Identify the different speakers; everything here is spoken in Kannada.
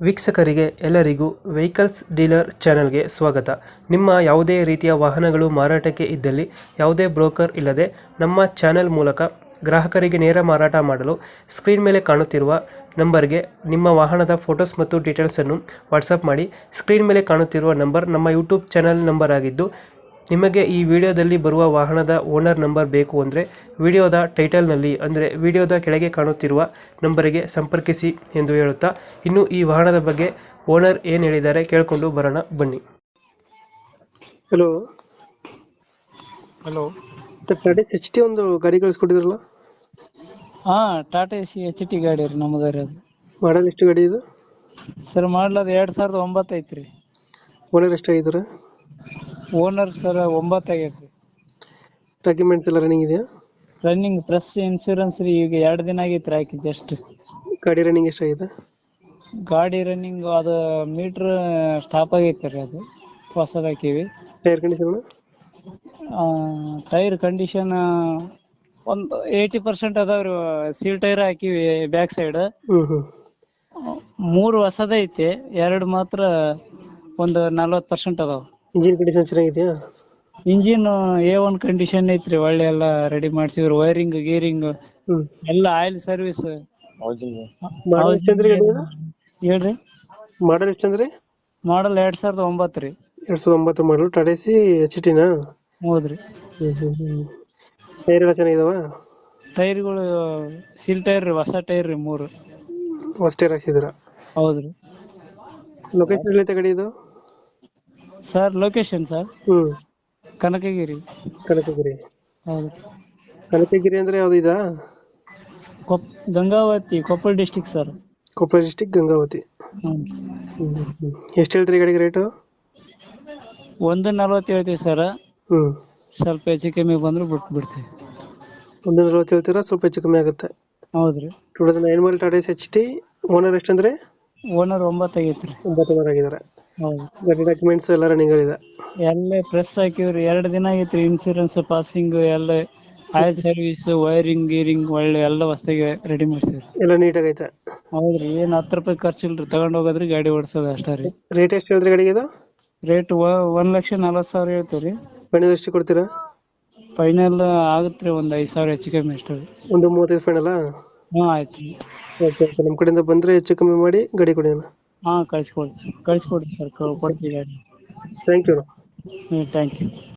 Speaker 1: ವೀಕ್ಷಕರಿಗೆ ಎಲ್ಲರಿಗೂ ವೆಹಿಕಲ್ಸ್ ಡೀಲರ್ ಚಾನೆಲ್ಗೆ ಸ್ವಾಗತ. ನಿಮ್ಮ ಯಾವುದೇ ರೀತಿಯ ವಾಹನಗಳು ಮಾರಾಟಕ್ಕೆ ಇದ್ದಲ್ಲಿ ಯಾವುದೇ ಬ್ರೋಕರ್ ಇಲ್ಲದೆ ನಮ್ಮ ಚಾನೆಲ್ ಮೂಲಕ ಗ್ರಾಹಕರಿಗೆ ನೇರ ಮಾರಾಟ ಮಾಡಲು ಸ್ಕ್ರೀನ್ ಮೇಲೆ ಕಾಣುತ್ತಿರುವ ನಂಬರ್ಗೆ ನಿಮ್ಮ ವಾಹನದ ಫೋಟೋಸ್ ಮತ್ತು ಡೀಟೇಲ್ಸನ್ನು ವಾಟ್ಸಪ್ ಮಾಡಿ. ಸ್ಕ್ರೀನ್ ಮೇಲೆ ಕಾಣುತ್ತಿರುವ ನಂಬರ್ ನಮ್ಮ ಯೂಟ್ಯೂಬ್ ಚಾನೆಲ್ ನಂಬರ್ ಆಗಿದ್ದು, ನಿಮಗೆ ಈ ವಿಡಿಯೋದಲ್ಲಿ ಬರುವ ವಾಹನದ ಓನರ್ ನಂಬರ್ ಬೇಕು ಅಂದರೆ ವಿಡಿಯೋದ ಟೈಟಲ್ನಲ್ಲಿ ಅಂದರೆ ವಿಡಿಯೋದ ಕೆಳಗೆ ಕಾಣುತ್ತಿರುವ ನಂಬರಿಗೆ ಸಂಪರ್ಕಿಸಿ ಎಂದು ಹೇಳುತ್ತಾ, ಇನ್ನು ಈ ವಾಹನದ ಬಗ್ಗೆ ಓನರ್ ಏನು ಹೇಳಿದ್ದಾರೆ ಕೇಳಿಕೊಂಡು ಬರೋಣ ಬನ್ನಿ. Hello
Speaker 2: hello.
Speaker 1: Tata H T ಒಂದು ಗಾಡಿ ಕಳಿಸ್ಕೊಟ್ಟಿದ್ರಲ್ಲ,
Speaker 2: ಹಾ, ಟಾಟಾ ಎಸಿ ಎಚ್ ಟಿ ಗಾಡಿ ರೀ ನಮ್ದು ರೀ. ಅದು
Speaker 1: ಮಾಡಲ್ ಎಷ್ಟು ಗಾಡಿ ಇದು?
Speaker 2: ಸರ್ ಮಾಡ್ಲದ 2009 ಐತ್ರಿ.
Speaker 1: ಓನರ್ ಎಷ್ಟಾಗಿದ್ದಾರೆ?
Speaker 2: ಓನರ್ ಸರ್ 9 ಆಗೈತ್ರಿ.
Speaker 1: ಡಾಕ್ಯುಮೆಂಟ್ಸ್ ಎಲ್ಲ ರನ್ನಿಂಗ್ ಇದೆಯಾ?
Speaker 2: ರನ್ನಿಂಗ್ ಪ್ರೆಸ್ ಇನ್ಸೂರೆನ್ಸ್ ರೀ, ಈಗ 2 ದಿನ ಆಗೈತ್ರಿ ಹಾಕಿ ಜಸ್ಟ್.
Speaker 1: ಗಾಡಿ ರನ್ನಿಂಗ್ ಎಷ್ಟಾಗಿದೆ?
Speaker 2: ಗಾಡಿ ರನ್ನಿಂಗ್ ಅದು ಮೀಟ್ರ್ ಸ್ಟಾಪ್ ಆಗೈತೆ ರೀ, ಅದು ಹೊಸದು ಹಾಕಿವಿ.
Speaker 1: Tyre condition?
Speaker 2: ಟೈರ್ ಕಂಡೀಷನ್ ಒಂದು 80% ಅದಾವ್ರಿ. ಸೀಲ್ ಟೈರ್ ಹಾಕಿವಿ ಬ್ಯಾಕ್ ಸೈಡ್.
Speaker 1: ಹ್ಞೂ
Speaker 2: 3 ಹೊಸದೈತೆ, 2 ಮಾತ್ರ ಒಂದು 40% ಅದಾವ.
Speaker 1: ಇಂಜಿನ್ ಕಂಡೀಷನ್ ಚೆನ್ನಾಗಿದೆಯಾ?
Speaker 2: ಇಂಜಿನ್ A1 ಕಂಡೀಷನ್ ಐತ್ರಿ, ಒಳ್ಳೆ ಎಲ್ಲ ರೆಡಿ ಮಾಡ್ಸಿದ್ರು. ವೈರಿಂಗ್ ಗೀರಿಂಗ್
Speaker 1: ಹ್ಞೂ
Speaker 2: ಎಲ್ಲ ಆಯಿಲ್ ಸರ್ವಿಸ್.
Speaker 1: ಮಾಡಲ್ ಎಷ್ಟಂದ್ರಿ ಗಾಡಿ ಇದು?
Speaker 2: ಹೇಳ್ರಿ.
Speaker 1: ಮಾಡಲ್ ಎಷ್ಟಂದ್ರಿ?
Speaker 2: ಮಾಡಲ್ 2009 ರೀ.
Speaker 1: 2009 ಮಾಡಲು ಟಾಟಾ ಎಸಿ ಎಚ್ ಟಿನಾ?
Speaker 2: ಹೌದ್ರಿ.
Speaker 1: ಟೈರ್ ಎಲ್ಲ ಚೆನ್ನಾಗಿದಾವ?
Speaker 2: ಟೈರ್ಗಳು ಸೀಲ್ ಟೈರ್ ರೀ, ಹೊಸ ಟೈರ್ ರೀ 3.
Speaker 1: ಹೊಸ ಟೈರ್ ಹಾಕ್ಸಿದ್ದೀರಾ?
Speaker 2: ಹೌದ್ರಿ.
Speaker 1: ಲೊಕೇಶನ್ ಎಲ್ಲೈತೆ ಗಾಡಿ ಇದು?
Speaker 2: Sir location sir Kanakagiri.
Speaker 1: Kanakagiri.
Speaker 2: ಹೌದ್ರಿ.
Speaker 1: ಕನಕಗಿರಿ ಅಂದ್ರೆ ಯಾವ್ದು ಇದಾ?
Speaker 2: Gangavathi, Koppal district sir.
Speaker 1: Koppal district Gangavathi. ಎಷ್ಟು ಹೇಳ್ತೀರಿ ಗಾಡಿಗೆ ರೇಟು?
Speaker 2: 140 ಹೇಳ್ತೀವಿ ಸರ್. ಸ್ವಲ್ಪ ಹೆಚ್ಚು ಕಮ್ಮಿ ಬಂದ್ರೆ ಬಿಡ್ತೀವಿ.
Speaker 1: 140 ಹೇಳ್ತೀರಾ? ಸ್ವಲ್ಪ ಹೆಚ್ಚು ಕಮ್ಮಿ ಆಗುತ್ತೆ.
Speaker 2: ಹೌದ್ರಿ.
Speaker 1: 2009 model Tata Ace H T. Owner ಎಷ್ಟಂದ್ರೆ?
Speaker 2: ಓನರ್ 9 ಆಗೈತ್ರಿ.
Speaker 1: 9 ಓನರ್ ಆಗಿದ್ದಾರೆ.
Speaker 2: ಹೌದು.
Speaker 1: ಗಾಡಿ ಡಾಕ್ಯುಮೆಂಟ್ಸ್ ಎಲ್ಲ ರನ್ನಿಂಗ್ ಇದೆ?
Speaker 2: ಎಲ್ಲ ಪ್ರೆಸ್ ಹಾಕಿವ್ರಿ, 2 ದಿನ ಆಗೈತ್ರಿ. ಇನ್ಸೂರೆನ್ಸ್ ಪಾಸಿಂಗ್ ಎಲ್ಲ, ಆಯಿಲ್ ಸರ್ವಿಸ್, ವೈರಿಂಗ್ ಗೀರಿಂಗ್ ಒಳ್ಳೆ ಎಲ್ಲ ಹೊಸದಾಗಿ ರೆಡಿ ಮಾಡ್ಸಿವ್ರಿ.
Speaker 1: ಎಲ್ಲ ನೀಟಾಗೈತೆ?
Speaker 2: ಹೌದ್ರಿ. ಏನ್ 10 ರೂಪಾಯಿ ಖರ್ಚಿಲ್ರಿ, ತಗೊಂಡ್ ಹೋಗೋದ್ರಿ, ಗಾಡಿ ಓಡಿಸೋದು ಅಷ್ಟೇ ರೀ.
Speaker 1: ರೇಟ್ ಎಷ್ಟು ಹೇಳ್ತೀರಿ ಗಾಡಿಗೆ ಇದು?
Speaker 2: ರೇಟ್ 1,40,000 ಹೇಳ್ತೀವ್ರಿ.
Speaker 1: ಫೈನಲ್ ಎಷ್ಟು ಕೊಡ್ತೀರಾ?
Speaker 2: ಫೈನಲ್ ಆಗುತ್ತೆ ಒಂದ್ 5,000 ಹೆಚ್ಚು ಕಮ್ಮಿ ಅಷ್ಟೇ ರೀ.
Speaker 1: 135 ಫೈನಲ್ಲಾ?
Speaker 2: ಹ್ಞೂ ಆಯ್ತು.
Speaker 1: ಓಕೆ ಓಕೆ, ನಮ್ಮ ಕಡೆಯಿಂದ ಬಂದರೆ ಹೆಚ್ಚು ಕಮ್ಮಿ ಮಾಡಿ ಗಾಡಿ ಕೊಡಿ ಅಣ್ಣ.
Speaker 2: ಹಾ, ಕಳಿಸ್ಕೊಡ್ರಿ ಸರ್, ಕೊಡ್ತೀವಿ ಗಾಡಿ.
Speaker 1: Thank you.
Speaker 2: Thank you.